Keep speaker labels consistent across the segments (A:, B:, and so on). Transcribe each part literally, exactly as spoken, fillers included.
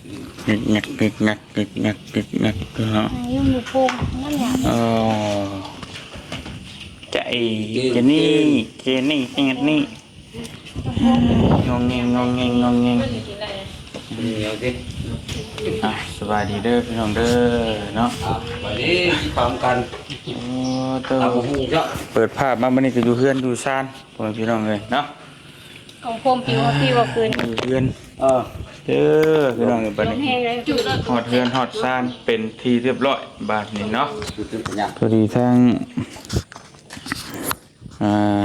A: งักงักงักงักงักงักงักเนาะ
B: ยังอยู่โพงนั่นเนี่ย
A: เออใจเจนี่เจนี่เอ็ดนี่งงเงงงงเงงงงเงง
C: เดี๋ยวสิ
A: อ่ะสบายดีเด้อพี่น้องเด้อเนาะ
C: อ่ะวันนี้พร้อมกัน
A: โอ้เต้า
C: ตามหูเจ้า
A: เปิดภาพมาบันนี้ก็อยู่เฮือนอยู่ซานพ่อแม่พี่น้องเลยเนาะ
B: ของโพมผิวพี่ว่าคืน
A: อยู่เฮือน
C: เออ
A: เด้อพี่น้องเลยบัดนี้
B: แห้งเลยจุด
A: ฮอดเฮือนฮอดซานเป็นที่เรียบร้อยบาดนี้เนาะ
C: ดูถึงสัญญาณ
A: สวัสดีทั้งอ่า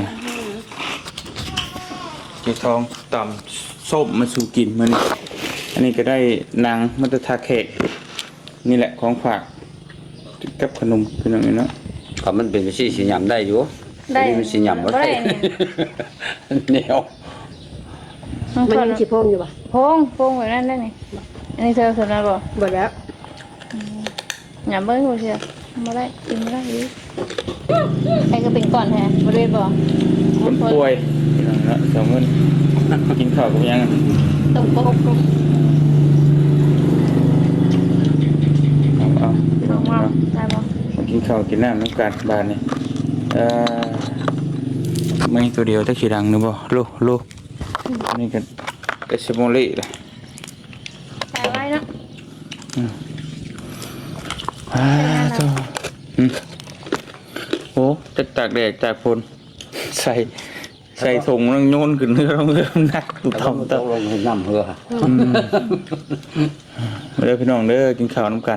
A: เกีทองต่ำส้มมาสู่กินมันอันนี้ก็ได้นางมัตตาแขกนี่แหละของฝากกับขนมเป็นอย่างนี้เนาะ
C: ก็มันเป็นสีสีหยำได้อยู่
B: ได้
C: อันนี้มันสีหยำบ่
B: ได้
C: ได้
B: เนี่ย
C: เหนียว
B: มันยังฉีโพงอยู่ป่ะโพงโพงแบบนั้นได้ไหมอันนี้เธอสนแล้วบ่บ่แล้วอย่าเบิ้งกูเชียวมาได้กินไม่ได้ดิใครก็เป็นก่อนแท้บริเวณบ่
A: คนป่วยพี่น้องเนาะสองเงินกินข้าวกับยัง
B: ตรงโป๊ก
A: เอาเอาพี่น้อง
B: มา
A: เนาะ
B: ได้บ่
A: มากินข้าวกินน้ำน้ำกันบานนี่เอ่อไม่ตัวเดียวแต่ขี้ดังนึกบ่โลโลนี่กันเอสโมลีเลย
B: ใส่ไว้เนาะ
A: อ่าจ้าอืมโอ้จะตากแดดตากฝนใส่ใส่ถุงแล้วโยนขึ้นเรือเรือหนักตุ่
C: แต่
A: ท
C: ว่า
A: อง
C: มัน
A: ต
C: ต้องลงให้น้ำเหือ
A: อืมมาเด้อพี่น้องเด้อกินข้าวน้ำกัน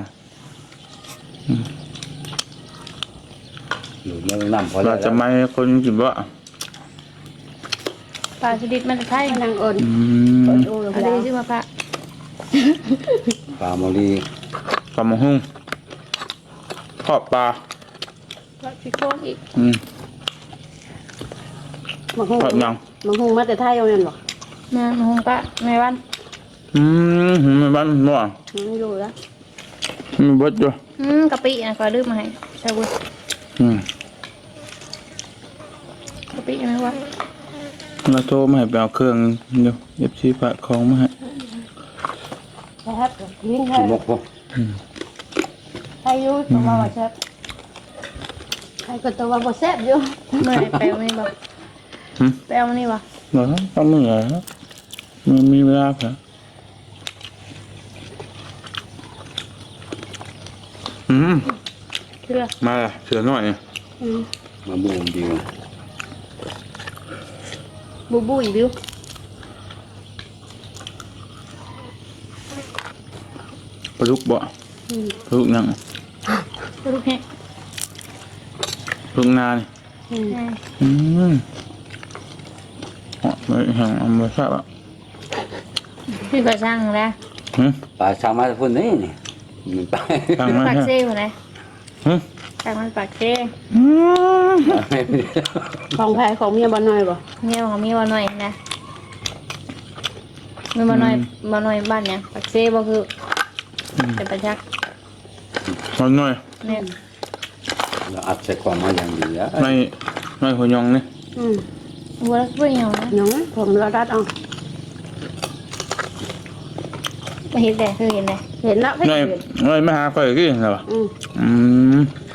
C: อยู่เมืองน้ำพอ
A: เรา
C: แล้ว
A: จะไม่ให้คนกินบ่
B: ปลาชนิดมันจะไทยนางอ่อน
A: อืม
B: อันนี้ชื่อว่าพระ
C: ปลาโมลี
A: ปลาหมอหุ้งทอดปลา
B: พระพิโคงอีก
A: อืม
D: มังคง
A: ทอดยัง
D: มังคงมาแต่ไทยเอาเงินบ่
B: แม่หงปะแม่วัน
A: อืมหืมไม่บ้านบ่
D: มันอยู่แล้ว
A: มีเบดด้วย
B: อืมกะปินะก็ลืมมาให้ใช่บุญ
A: อืม
B: กะปินะวะ
A: เราโทรมาให้ไปเอาเครื่องเดี๋ยวเอฟซีฝากของมาให้
D: นะครับวิ่งไท
C: ขี้
D: ย
C: มกบ่
D: ไทยอยู่ตัวว่าแซ่บไทยก็ตัวว่าบ่แซ่บอยู่
B: เมื่อไหร่แปลวนี่บ่
A: หืม
B: แปลวนี่บ่
A: เหรอต้องมือเหรอมันมีเวลาเหรออืม
B: เชื่อ
A: มาละเสือหน่อย
D: อืม
C: มาบูมดี
B: บูบูอีบิว
A: ปลาลูกบ่
D: อืม
A: ปลาลูกยัง
B: ลูกแห้ง
A: ปลาลูกนานี่
D: อืม
A: อืมอ๋อไม่แห้งเอามาทราบอ่ะ
B: พี่ก็สร้างแล้ว
A: หืม
C: ปลาชาวมาพุ่นนี่นี่มันไป
A: ตั้งมา
B: ปาก
A: ฮะ
B: เซ่คนไหน
A: หืม
B: แต่มันปากเซ่
A: อืม
D: ของแพ้ของเมียบ่น้อยบ่
B: เนี่ยของมีบ่หน่อยนะมีบ่หน่อยบ่หน่อยบ้านเนี่ยปากเซ่บ่คือเป็นประจักษ์
A: เอาหน่อย
B: เนี่ย
C: เราอัดใส่กล่องมาอย่างดีแล้ว
A: ไม่ไม่หัวยองนี่
D: อืม
B: วัวเพื่อนเหรอ
D: น้องผมเราดัดเอา
B: ไม่เห็นแต่คือเห็นเลย
D: เห็นแล้วเพิ่น
A: ไม่
D: เห็น
A: ไม่มาหาใครกี่เหรอ
D: อืม
A: อืม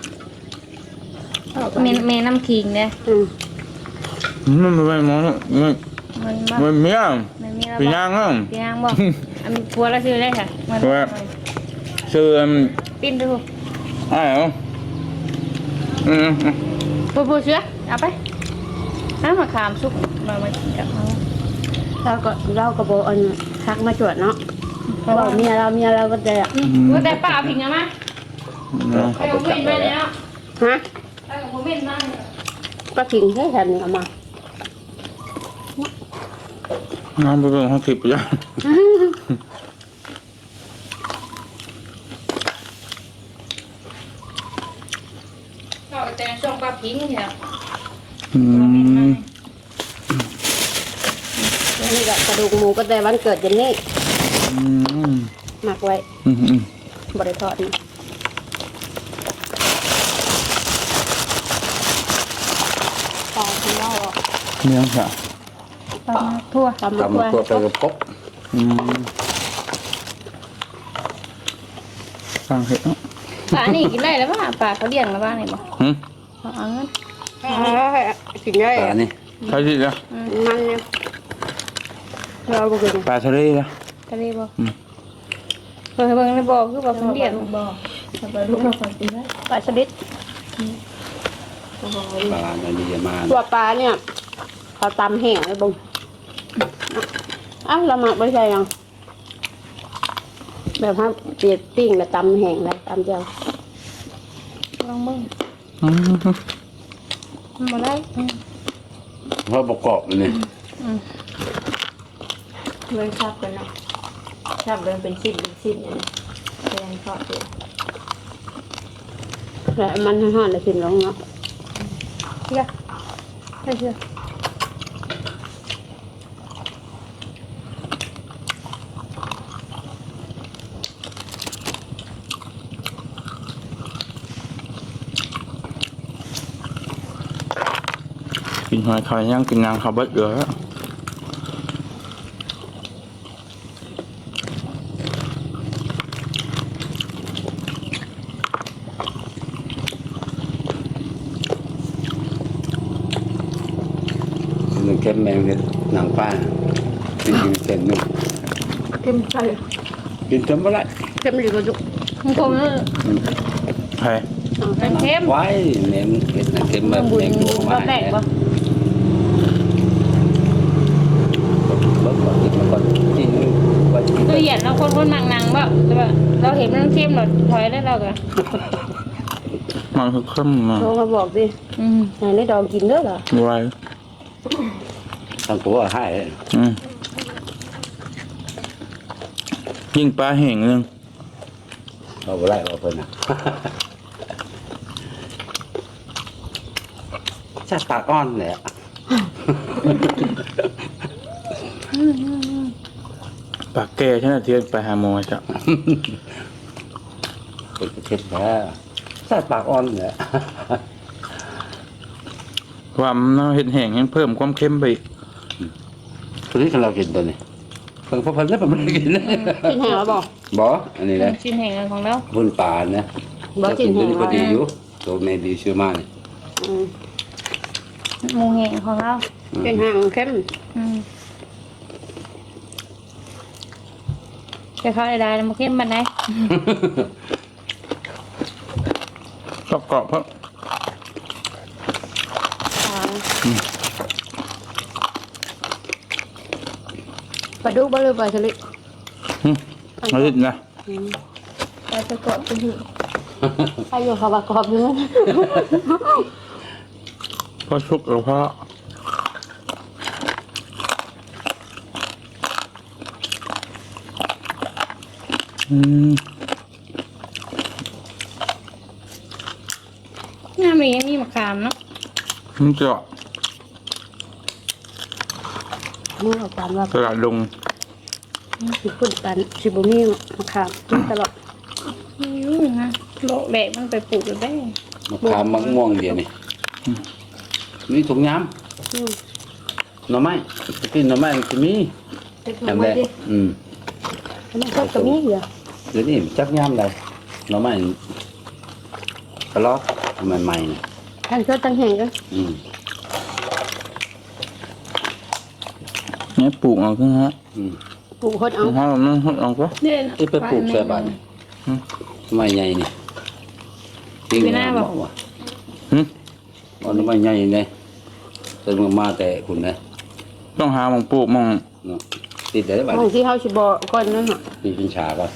B: เมนเมนน้ำขิงเนี่ย
D: อืม
A: มันไม่ไม่มองไม่
B: มันบ่
A: ไม่มีอ่ะ
B: มันมีแล้ว
A: ปี
B: บ่
A: ย่างอ่ะ
B: ปีนางบ่อันพัวแล้วซื้อได้ค่ะมัน
A: ซื้อ
B: ปิ้นดู
A: อ้าวอืม
B: ปูปูเชื้อเอาไปน้ำมะขามสุกมามากินกับเขา
D: เราก็เราก็บ่อันทักมาจวดเนาะเพราะว่าเมียเราเมียเราก็จะ
B: ว่าแต่ป้าผิงอะมั้ยไปกับเพื่อนไปเลยเนาะ
D: ฮะ
B: ไปกับเพื่อนมา
D: ก็ทิ้งให้แทนเอามา
A: น้ำไปเป็นห้องทิพย์ย่าง
B: ก็แต่ช่วงป้าผิงเนี่ย
A: อืม
D: นี่ก็กระดูกหมูก็แต่วันเกิดเจนนี่
A: อืม
D: หมักไว้
A: อืมอืม
D: บ่ได้ทอดนะปลาที่เล่าอ่ะ
A: เนี่ยค่ะ
B: ปลาทั่ว
D: ตำมะ
C: ทำ
D: กรู
C: มา
D: ด
C: ตัวไปกับกบ
A: อืมฟังเห็ดเนาะ
B: ปลานี่กินได้แล้วป่ะปลาเขาเลี้ยงแล้วบ้างนี่บ่
A: หึ
B: เอาเอาเงิน
D: กินได้
C: ปลานี่
A: ใช่ดิจ้ะ
D: มันเนี่ยเราบ่กิน
A: ปลาทะเลจ้ะ
B: ทะเลบ่เพิ่นเบิ่งในบ่อคือบ่เพิ่นเลี้ยงบ่ปลาลูกเราคนกินได้ปลาชนิด
C: ปลาในดีมา
D: ตัวปลาเนี่ยเขาตำแห้งเลยบุ้งอ้าวเราหมักไม่ใช่ยังแบบว่าเปียกปิ้งแล้วตำแห้งแล้วตำเจียว
B: ลองมึง
A: อืม
B: มาได้
C: เพราะประกอบมันนี่
E: เลยชอบกันเนาะชอบเดินเป็นชิ้นเป็นชิ้นเนี่ยแสดงชอบเลย
D: แล้วมันห่อนๆเลยกินลงเนาะ
B: เชื่อไม่เชื่อ
A: กินหอยคอยย่างกินนางเขาเบิดเยอะ
C: มันเข้มแมงเนี่ยหนังปลากินกินเค็มนึง
D: เข้มใส่
C: กินเค็มไม่ได้
D: เข้มดีกว่าจุก
B: มึงคมเลย
A: ใช่
B: มันเข้ม
C: ไว้เน้นเผ็ดนะเค็มแบบแมงตัว
B: ร
C: มา
B: อบแรกบ่
C: เบิกก่อนกินมาก่อนกินไว้กิน
B: ตัวเหยียดเราคนคนนางๆบ่แต่ว่าเราเห็นมันเข้มเราถอยได้เราก็
A: มันคือเข้มมา
D: โทรมาบอกดิ
B: อืม
D: ไหนได้ดองกินเด้อเหรอ
A: ไว
C: ทางตัวให้
A: อืมยิงปลาแห้งนึง
C: เอาไปไล่เอาเพิ่นนะชาติปากอ่อนแหละ
A: ปลาแก่ใช่ไหมที่ไปหาหมอจ้ะ
C: เป็นเผ็ดแท้ชาติปากอ่อนแหละ
A: ความน้ำเห็ดแห้งยังเพิ่มความเค็มไปอีก
C: ตัวนี้เรากินตัวนี้เพิ่งพอเพิ่นแล้วผมไม่ได้กินนะ
D: กินแห้งแล้วบอก
C: บ่อันนี้นะ
B: ชิ้นแห่งของเรา
C: พุ่นปลานะ
D: บ่กินแห้ง
C: พอดีอยู่ตัวเมดีชื่อมานี่
D: อืม
B: หมูแห่งของเรา
D: กินแห้งเข้ม
B: อืมจะเข้าได้ๆมันเข้มมันได้
A: ชอบกรอบเพราะ
D: ปลาดุกบ่หรือปลาสลิด
A: อืมเอาดินะ
B: เราจะกดเป็นหือ
D: ใครอยู่เขาว่ากรอบอยู่นั่น
A: เพราะชุกแล้วเพราะอืม
B: หน้ามีมีมะขามเนาะ
A: มันจะ
D: นี่เอาปานว่า
A: ตลาดลง
D: สิพุ่นปันสิบ่มีมะขามกินตลอด
B: ไม่รู้นะโลกแบกมันไปปลูกแล้วได้
C: มะขามมะม่วงเดียวนี่มีถุงย
D: อืม
C: ำหน่อไม้กินหน่อไม้จะมี
E: เป็นข
C: แอ
E: อง
C: ม
E: ไว้
C: แดง
E: ดิ
C: อืม
D: อันนั้นก็ก็มีเหรอ
C: เดี๋ยวนี้จักยำเลยหน่อไม้กระลอกใหม่ๆนี่
D: ท่านก็ตั้งแห้งกัน
C: อืม
A: เนี่ยปลูกเอาขึ้นฮะ
C: อืม
D: ปลูกคนเอา
A: เอาเรานั่งหดเอาก็
B: เนี่ย
C: ที่ไปปลูกใส่บ้านไม้ใหญ่นี่จริงนะบอกว่า
A: หึ
C: เอาหน่อไม้ใหญ่เนี่ยแต่มันมาแต่คุณนะ
A: ต้องหาหมองปลูกหมอง
C: เนาะติดได้บ้าน
D: บางที่เขาสิบอกก่อนนั่นน่ะ
C: ติดเป็นฉากก่อน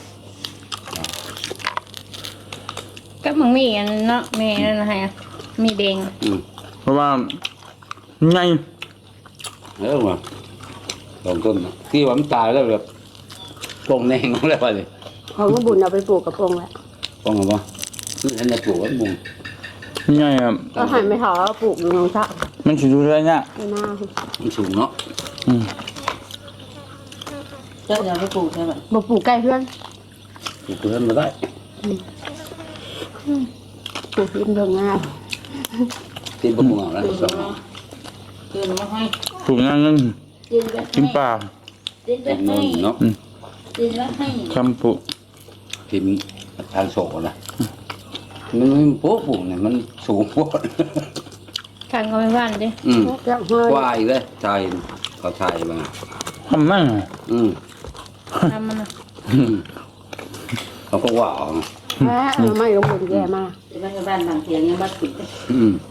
B: ก็มึงมีอันเนาะมีนั่นนะฮะมีแดง
C: อืม
A: เพราะว่าไง
C: เออมาลองต้นนะที่ว่ามันตายแล้วแบบปงแนงอะไรไปเลย
D: เขาก็บุญเอาไปปลูกกับปงแหละ
C: ปงอะไรวะคืออันนี้ปลูกไว้มุง
A: ไงอ่ะ
D: ก็หันไปถาปลูกอยู่น้องชะ
A: มันสิดูได้เนี่ย
D: ไม่น่า
C: มันสูงเนาะ
A: อืม
E: เจ้าจะเอาไปปลูกใช่ไหม
D: บ่ปลูกใกล้เพื่อน
C: ปลูกเพื่อนมาได้
D: ปลูกริมดงงาม
C: ตีนปมุงเอาแล้วสอง
E: เกินมาให้
A: ปลูกนั่นนั่น
E: ดินไป
A: กินปลา
E: ดินไป
C: ตรง
E: ให้
C: นู้นเนาะ
E: ดินไปให้
A: คำปลูก
C: พิมพ์ทางโศกนะมันมันโป๊ะปุ่มเนี่ยมันสูงโป๊ะ
B: ทางก็ไม่บ้านดิ
C: อืม
D: จักห้อย
C: กว่าอีกเลยชายเขาชายมา
A: ทำมั่ง
C: อืม
B: ทำมันนะ
C: อืมเขาก็ว่าเอา
D: แม่เอาไม่ลงบนแย่มา
E: ที่บ้านบ้านบางเทียงยังบ้านติด
C: อืม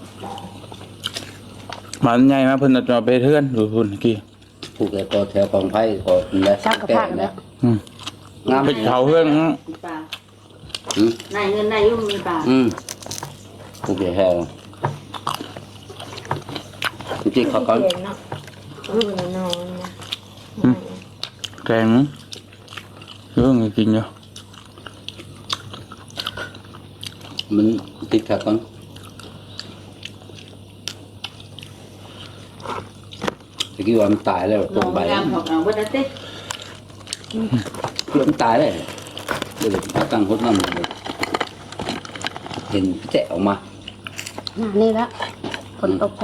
A: หมันใหญ่มาเพิ่นเอาจะเอาไปเทือนดูพุ่นกี้
C: ผูกแต่ก็แถวกองไผ่ก็และ
D: จักกระพักแล้ว
A: อืม
C: งาม
A: ไปเผาเพื่อน
E: มีปลา
C: อืม
E: นายเงินนายยุ่งมีปลา
C: อืมผูกแต่แถวจริงๆเขาก็
E: เทียงเนาะรู้นอนนอนนะ
A: แกงเรื่องกินเยอะ
C: มันติดขัดกันตะกี้ว่ามันตายแล้ว
E: น
C: ตร
E: อง น
C: ใบ
E: งามของเราวันนั้นเต้
C: เพื่อนตายเลยเดี๋ยวพักตั้งหดน้ำเลยเห็นแจะออกมา
D: หน้านี่ละฝนตกใส่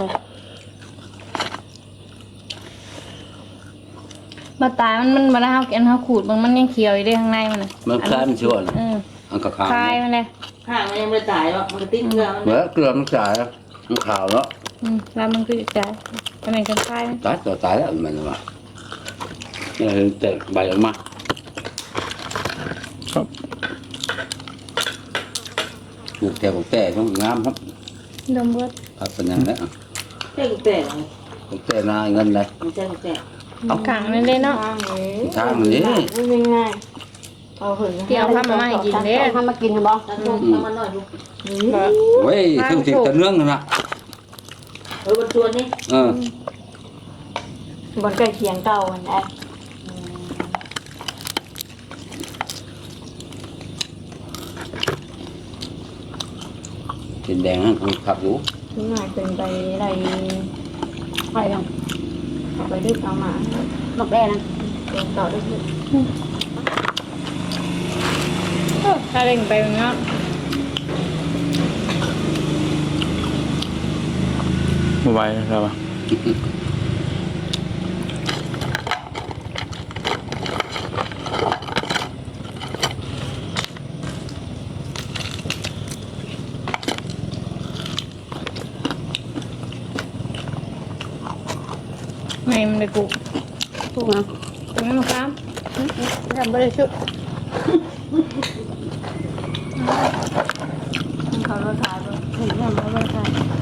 B: มาตายมันมันมาได้เฮาแกนเฮาขูดบางมันยังเขียวอยู่ได้ข้างในมันน่ะ
C: มันคล้ายมันชั่วนะ
B: เออ
C: อันกระขาว
B: คายมันเลย
E: ข้างมันยังไม่ตายหรอกมันก็ติดเกลือมัน
C: เมื่อเกลือมันจ่ายแล้วมันขาวแล้ว
B: อืมแล้วมันก็จะจ่ายอันไหนกันคายมัน
C: ตายตัวตายแล้วมันมาเนี่ยเห็นแต่ใบออกมา
A: ครับ
C: ปลูกแต่ปลูกแต่ต้องงามครับ
B: ดมเบิด
C: ครับเป็นอย่างนี้น
E: ใช่กุแต่
C: ปลูกแต่นาเงินเลย
E: ไม่ใช่กุแต่
B: เอาขังนั่นเลยเนาะ
E: ทางนี้ไม่ง่ายเอาหืน
B: เกี่ยวข้ามมาให้กินเด้อ
D: ทำมากินเหรอบอก
E: ตะโกนทำมาหน่อยลูก
C: เว้ยคือติดตะเนื่องกันนะ
E: เออบนตัวนี้
C: เออบ
E: นใกล้เคียงเก่าอันนั้น
C: เป็นแดงนั่นคือขับอยู่
E: ทุกหน่อยเป็นไปอะไร
D: ไปลง
E: เอาไปดึกเอามา
D: นกแร่นะ
E: เป็นต่อดึก
B: ถ้าเร่งไปมันเนาะ
A: บ่ไหวแล้วอ่ะ
B: ไงมันเลยปลูก
D: ถูกนะ
B: ตรงนั้นมาค้าม
D: ทำไม่ได้ชุบ
E: เขาเราถ่ายไป
D: เห็นยังไม่ได้ใช่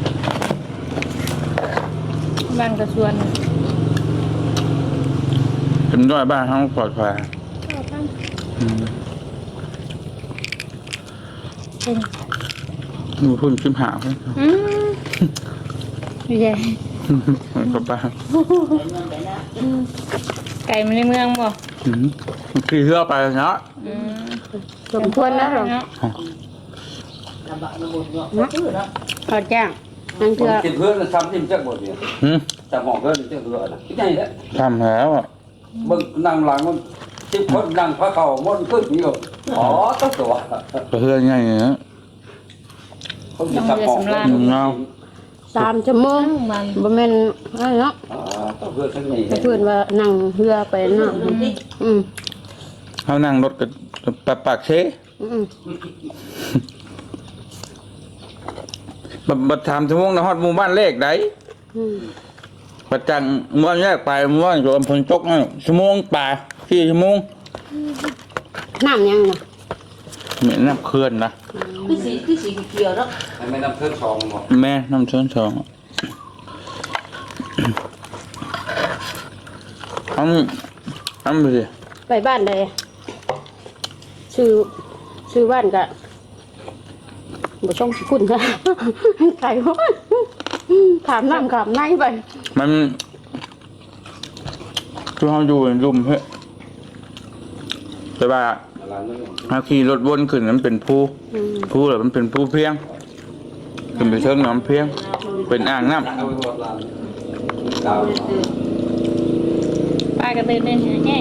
B: บ้านกระสวน
A: เป็นด้วยบ้านห้องปลอดภัยอืมมีพุ่นขึ้นหาเพื่อน
B: อืมไม่ใช่
A: กลับบ้าน
B: ไก่มันในเมืองบ่
A: อืมขี่เรือไปเนาะ
B: อืม
D: สมควรนะหรอ
B: เนาะ
E: ระบะระบบเนาะก็คือเนาะ
D: ขอจ้างนั่งเถื่อ
C: กินเพื่อนทำที่มันจักหมดเนี่ย
A: หืม
C: แต่หมองเพื่อนจักเรือนะที่ไหนเนี่ย
A: ทำแล้วอ่ะ
C: มึงนั่งหลังมันที่คนนั่งพระเข่ามันขึ้นอยู่อ๋อต้องตัว
A: ก็เพื่อนง่ายอย่างเงี้ย
C: เขามีสมอง
A: เงา
D: สามชั่วโมง
B: มัน
D: บ่แม่นอะไรเนาะ
C: อ๋อต้องเพื่อนข้างใน
D: แต่เพื่อนว่านั่งเรือไปเนาะอืม
A: เขานั่งรถกับปากปากเช
D: อืม
A: บัดบัดถามชั่วโมงนะฮอดหมู่บ้านเลขไหน
D: อืม
A: ประจังหมู่บ้านแยกไปหมู่บ้านอยู่อำเภอจกนั่นชั่วโมงป่าสี่ชั่วโมง
D: น้ำยังน่ะ
A: เหม็นน้ำเขื่อนนะ
E: คือสีคือสีเขียวเนาะ
C: ไม่นำเพื่อนสองหมด
A: แม่น้ำเชิญสองทำทำไปสิ
D: ไปบ้านใดชื่อชื่อบ้านกะบ่ช่องสิคุณค่ะไก่ฮอดถามน้ำขามในไป
A: มันคือเขาอยู่ในรุมเฮ้ยแต่ว่าถ้าขี่รถวนขึ้นนั้นเป็นภู
D: อืม
A: ภูหรือมันเป็นภูเพียงขึ้นไปเชิงน้ำเพียง เป็นอ่างน้ำ
B: ปลากระตือรือร้นแห้ง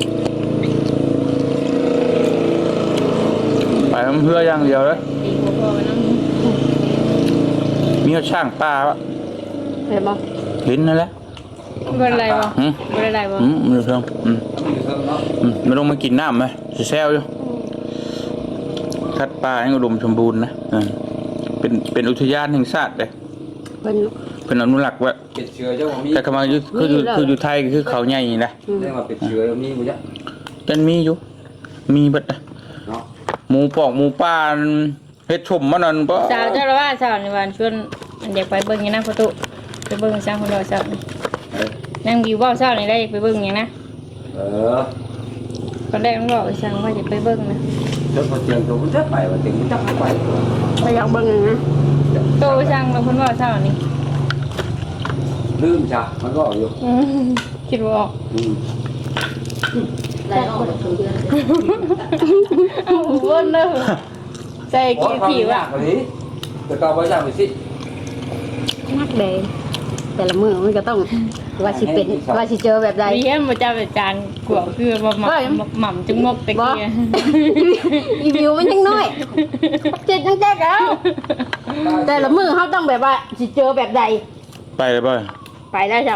A: ไปน้ำเพื่ออย่างเดียวเลย
B: ตีหัวพอไปน้ำ
A: มีเขาช่างปลาวะ
D: เห็นบ่
A: เห็นนั่นแหละ
B: บ่ได้ไรบ่
A: หืม
B: บ่ได้ไรบ่
A: อืมไม่รู้เรื่องอืมอืมไม่ต้องมากินน้ำไหมจะแซวอยู่ใครสัตว์ป่ายังอุดมสมบูรณ์นะอ่าเป็นเป็นอุทยานแห่งชาติเลย
D: เป็น
A: เป็นอนุรักษ์ไว้
C: เป็ดเชื้อเจ้าบ่มี
A: แต่คำว่าอยู่คืออยู่คืออยู่ไทยคือเขาใหญ่นี่นะ
C: เรียกว่าเป็ดเชื้อมีบ่จ๊ะ
A: จันมีอยู่มีเบิดนะ
C: เนาะ
A: หมูปอกหมูป่าเฮ็ดชมมันนั่นบ่
B: สาวเจ้าละว่าสาวในวันชวนอันเด็กไปเบิ่งอย่างนะประตูไปเบิ่งสร้างคนรอสาวนี่
C: เออ
B: นั่งวิวว่าวสาวนี่ได้ไปเบิ่งอย่างนะ
C: เออ
B: ตอนแรกมันบอกไปสั่งว่าจะไปเบิ่งนะ
C: เจ้าพอเตียงตัวมันจะไปว่าเตียงมันจะไป
D: ไปอยากเบิ่งอย่างนะ
B: โตไปสั่งแล้วเพิ่นว่าสาวนี่
C: ลืมจ้ะมันก็อยู่
B: อืมคิดว่าออก
C: อืม
E: ได้ออกจากเดือน
B: เอาเบิ่งเด้อใส่
C: โอ้
B: กี่
C: ยความ
B: ผี
C: ยาว
B: ะ
C: กกว่านี้แต่ก็บ่ยากไปสิ
D: นักเดงแต่ละมือมันก็ต้องว่าสิเป็นว่าสิเจอแบบใด
B: มีแค่บ่เจ้าเป็นจานกวางคือบ่หม่ำหม่ำจังงกตะกี้
D: อีวิวมันยังน้อยเจ็ดยังแจ๊กแล้วแต่ละมือเขาต้องแบบว่าสิเจอแบบใด
A: ไปเลยบ่
D: ไปได้จ้ะ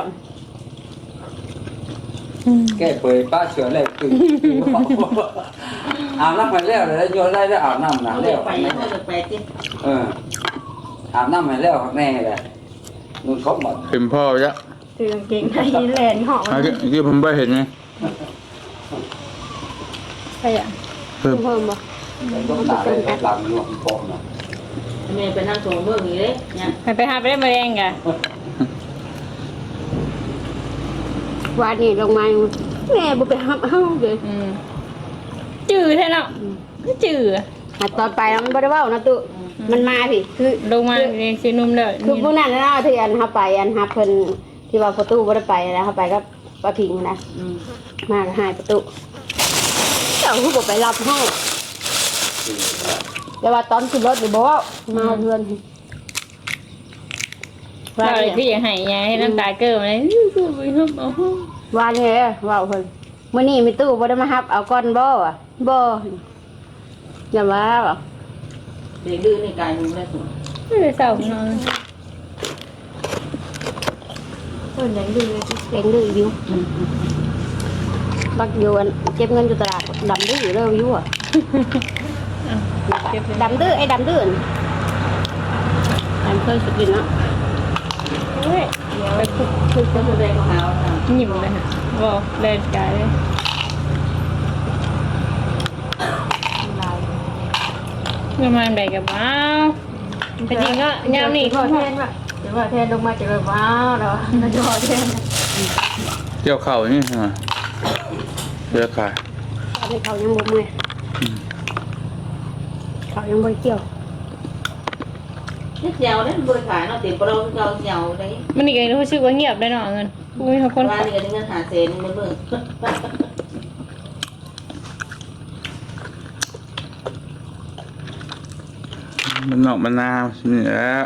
C: แก้เผยป้าเชื้อแรกคืออาบน้ำไปแล้วแล้วโยนได้ได้อาบน้ำนะแล้ว
E: ไปยังไม่ไปจิ
C: เอออาบน้ำไปแล้วแน่เลยนุ่นเขาหมด
A: เห็นพ่อจ้ะ
D: คือกางเกงในแลนหอม
A: เมื่อกี้ที่ผมบ่เห็นไง
B: ใช่อ่ะ
A: เพิ่ม
D: เพิ่มบ่
C: ต้องหนาเลยหลังหลวงปอมนะ
E: แม่ไปนั่งส่งเบิ่งอีกเลยเนี่ย
B: ไปไปหาไปได้มาแรงกะ
D: วานนี่ลงมาแม่บ่ไปหับเฮาเลย
B: อืมจื้อแท้เนาะจื้อ
D: หาตอนไปแล้วมันบ่ได้เว้านะตุมันมาพี่คือ
B: ลงมาเรียนซีนุ่มเด้อ
D: คือผู้นั้นนะที่อันเฮาไปอันฮับเพิ่นที่ว่าประตูบ่ได้ไปนะเฮาไปก็ป้าพิงนะ
E: อืม
D: มาก็หายประตูเจ้าคือบ่ไปรับเฮาแต่ว่าตอนขึ้นรถนี่บ่เว้ามาเพื่อน
B: เรา
D: ว่า
B: เลย
D: เนี่ย
B: คืออยากให้ยายให้น้ำตาเกิดมาเลยคือไปฮับเอา
D: ว่าเนี่ยเว้าเพิ่นมื้อนี้มีตู้บ่ได้มารับเอาก่อนบ่อ่ะบ่อย่าว่าบ่
E: เด็กดื้อในกายมึงได้สุด
B: ไม่ได้เศร้านอน
D: เพิ่นยังดื้อเก่งดื้ออยู่บักอยู่อันเก็บเงินอยู่ตลาดดำดื้อเด้ออยู่อ่ะ
B: เก็บเลย
D: ดำดื้อไอ้ดำดื้อนี่อันเคยสุดดินเนาะ
B: เฮ้ยเดี๋ยวไปคุก
E: คือคนแสดงของเราอ่ะ
B: หยิบเลยฮะบอกเล่นกายเลยเงินมาแบ่งกับว้าวแต่จริงก็ยามนี่
D: พอแทนว่ะเดี๋ยวพอแทนลงมาจะแบบว้าวเนาะแล้วจะพอแทน
A: เกี่ยวเข่านี่ใช่ไหมเกี่ยวขา
D: ตอนนี้เขายังบ่เมื่อยเขายังบ่เกี่ยว
E: นี่เจียวนั่นบริขายเนาะติดเราเราเจียวได้
B: มันนี่ก็รู้สึกว่าเงียบได้เนาะเงินอุ้ยเขาคน
E: ว่านี่ก็ได้เงินหาเซนมันเบิ่ง
A: มันนอกมันนาวนี่แหล้ว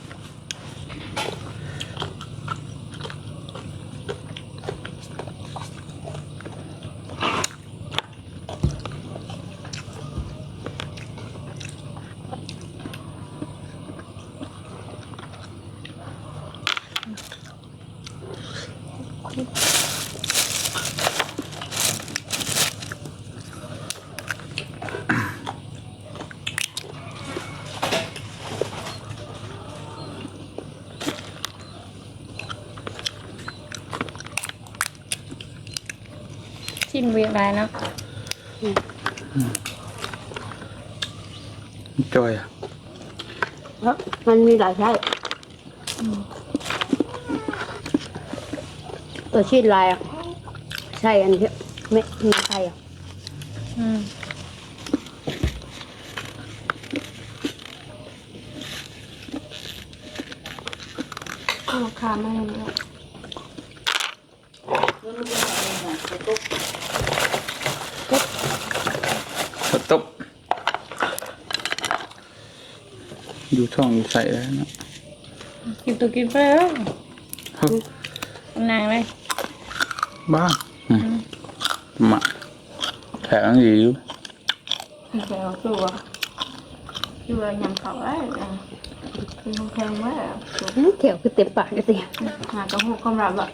B: ชิ้นเวียดได้เนาะ
A: จอยอ่ะ
D: เพราะมันมีหลายไส้ตัวชีสลายอ่ะใช่อันนี้ไม่มีไส้อ่ะ
B: อืม
D: ราคาไม่เยอะ
A: ข้าวต้มอยู่ช่องอยู่ใส่แล้วเนาะ
B: กินตัวกินไปแล้ว
A: เฮ้ย
B: นางเลย
A: บ้าอืมมาแข็งดีอยู่
E: เจียวตัวตัวยำเขาได้คือแพงมาก
D: เขียวคือเต็มปากเลยสิ
E: หากระหูกำลังอ่ะ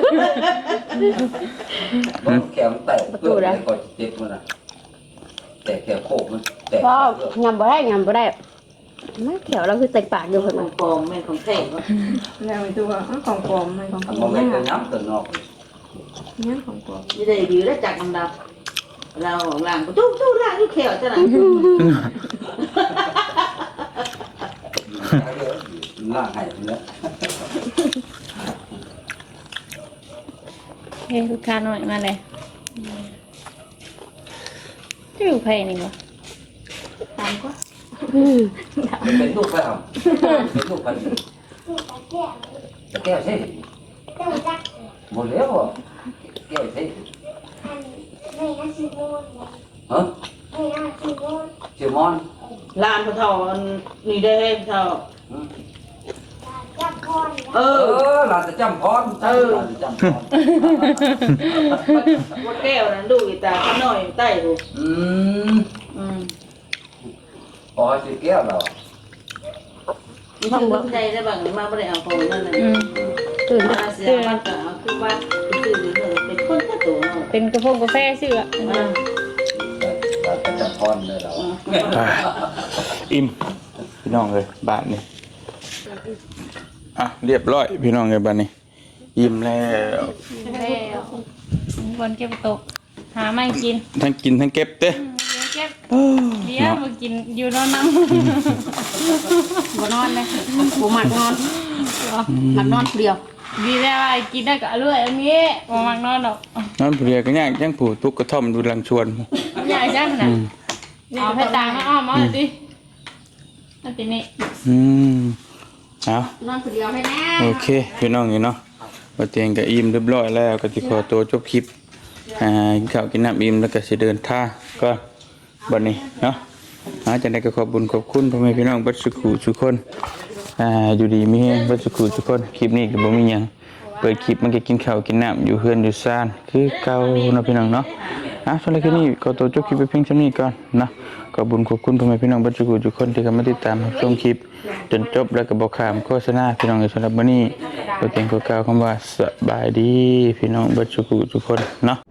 C: แขมแตกเพื่อนเลยก่อนเจ็บมันนะแตแต่แค่โคกมันแต่
D: ก็ยำบ่ได้ยำบ่ได้ไม่เขียวเราคือเต็มปากอยู่เพิ่น
F: ขอ
D: ว่าง
F: ปลอมแม่นของแท้บ่
E: แล้วไอ้ตัวอ้าวของปลอมมันของปลอ
C: มัน
E: ม
C: ไม่
E: เนี่ย
C: เป็นน้ำตัวนอก
E: เนี่ยของปลอม
F: นี่ได้ดีแล้วจากดำดำเราของล่างก็ตู้ตู้ล่างนี่แขวจ้ะน่ะ
C: ล่างให้เนื้อ
B: เฮ้ยลูกค้าหน่อยมาเลยจะอยู่ไผนี่บ่
E: ตามก็
D: อืม
C: เป็นลูกไปครับเป็นลูกกันตะแก้วใช่หมดแล้วอ่ะแก้วใช่ฮะชื่อมอน
F: ลานพระเท่าอันนี่ได้ให้พระเท่าเอ
C: เอ
F: อ
C: อหลานจะจำพรเออหลานจะจำพร
F: ว่าแก้วนั้นดูอีตาข้างน้อยใต้ดู
C: อืม
F: อืม
C: พอชื่อแก้วเรา
F: มีชื่อคนใจได้บ้างมาบ่ได้เอาของนั่นน่ะ
B: อืม
D: ตื่น
F: มาเสียบ้านก็เอาคือบ้านคือชื่อนี่เป็นคนแค่ตัวเนาะ
B: เป็นกระพงกาแฟชื่ออ่ะ
F: อ่า
C: หลานจะจำพรเลยเรา
A: อ่าอิ่มพี่น้องเลยบ้านนี่อ่ะเรียบร้อยพี่น้องเลยบ้านนี้อิ่มแล้ว
B: แล้วบนเก็บตก หาไม่กิน
A: ทั้งกินทั้งเก็บเต้
B: เดี๋ยวเก็บ
A: เอ้อ
B: เดี๋ยวมากินอยู่นอนน้
D: บ่นอนเลยบ่มักนอนมักนอนผู้เดียว
B: ำดีแล้วไอ้กินได้ก็อร่อยอันนี้บ่มักนอนดอก
A: นอนผู้เดียวก็ยากจังผู้ทุกกระท่อมดูลังชวน
B: ใหญ่จังนะเอาให้ตามาอ้อมมาดิอันนี้
A: อืมเอา
D: นอนผู้เดียวให้แน่
A: โอเคพี่น้องนี่เนาะบ่เตียงก็อิ่มเรียบร้อยแล้วก็สิขอตัวจบคลิปอ่ากินข้าวกินน้ำอิ่มแล้วก็สิเดินทางก็บัดนี้เนาะอาจังได๋ก็ขอบคุญขอบคุณพ่อแม่พี่น้องเบัดสุขุทุกคนอ่าอยู่ดีมีแฮงเบัดสุขุทุกคนคลิปนี้ก็บ่มีหยังเปิดคลิปมันก็กินข้าวกินน้ำอยู่เฮือนอยู่ซ่านคือเก่าเนาะพี่น้องเนาะอ่ะสำหรับคลิปนี้ก็ตัวจบคลิปไปเพียงเท่านี้ก่อนเนาะขอบคุญขอบคุณพ่อแม่พี่น้องเบัดสุขุทุกคนที่เข้ามาติดตามรับชมคลิปจนจบแล้วก็บ่ข้ามโฆษณาพี่น้องสำหรับมื้อนี้ตัวเต็งก็กล่าวคำว่าสบายดีพี่น้องเบัดสุขุทุกคนเนาะ